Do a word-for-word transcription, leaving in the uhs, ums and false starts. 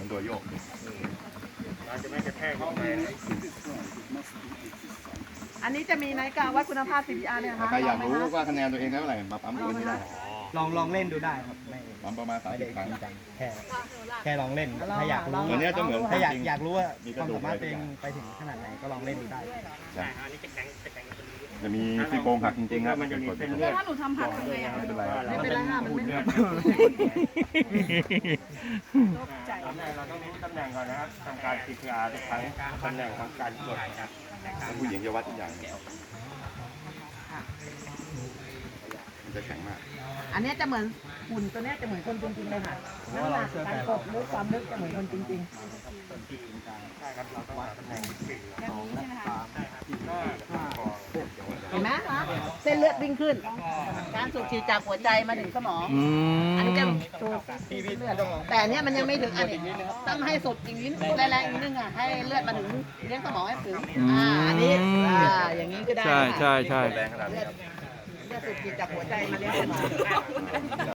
ตัวโยกเราจะไม่กระแทกลงไปนะอันนี้จะมีนาฬิกาวัดคุณภาพ ซี พี อาร์ เนี่ยนะคะใครอยากรู้ว่าคะแนนตัวเองได้เท่าไหร่มาปั๊มตัวนี้ได้ลองลองเล่นดูได้ครับไม่ปั๊มประมาณสามไม่สิได้บครั้งจริงจังแค่แค่ลองเล่นถ้าอยากรู้ตัวนี้จะเหมือนถ้าอยากจริงอยากรู้ว่ามีกคระวามดูกสามารถอะไรตัวเองทุกอย่างไปถึงขนาดไหนก็ลองเล่นดูได้ใช่จะมีซี่โครงหักจริงๆครับมันจะมีกดเส้นไม่เลือดถ้าหนูทำหักทำไงอะเป็นไรไม่เป็นไรค่ะมันไม่ตำแหน่งเราต้องรู้ตำแหน่งก่อนนะครับทำการ ซี พี อาร์ ทุกครั้งตำแหน่งของการกดนะครับผู้หญิงจะวัดทุกอย่างมันจะแข็งมากอันเนี้ยจะเหมือนหุ่นตัวเนี้ยจะเหมือนคนจริงๆเลยค่ะน้ำหนักการกดลึกความลึกจะเหมือนคนจริงใช่ครับเราต้องหาตำแหน่งสี่ๆแบบนี้ใช่ไหมคะห้าห้าหกเห็นไหมคะเส้นเลือดวิ่งขึ้น การสูบฉีดจากหัวใจมาถึงสมองอืมอันนี้จะสูบเลือดแต่อันเนี้ยมันยังไม่ถึงอันนี้ต้องให้สุดอีกนิดแรงๆอีกนิดนึงอ่ะให้เลือดมาถึงเลี้ยงสมองให้ถึงอ่าอันนี้อ่าอย่างนี้ก็ได้ใช่ใช่ใช่แรงขนาดนี้เลือดครับเลือดสูบฉีดจากหัวใจมาเลี้ยงสมอง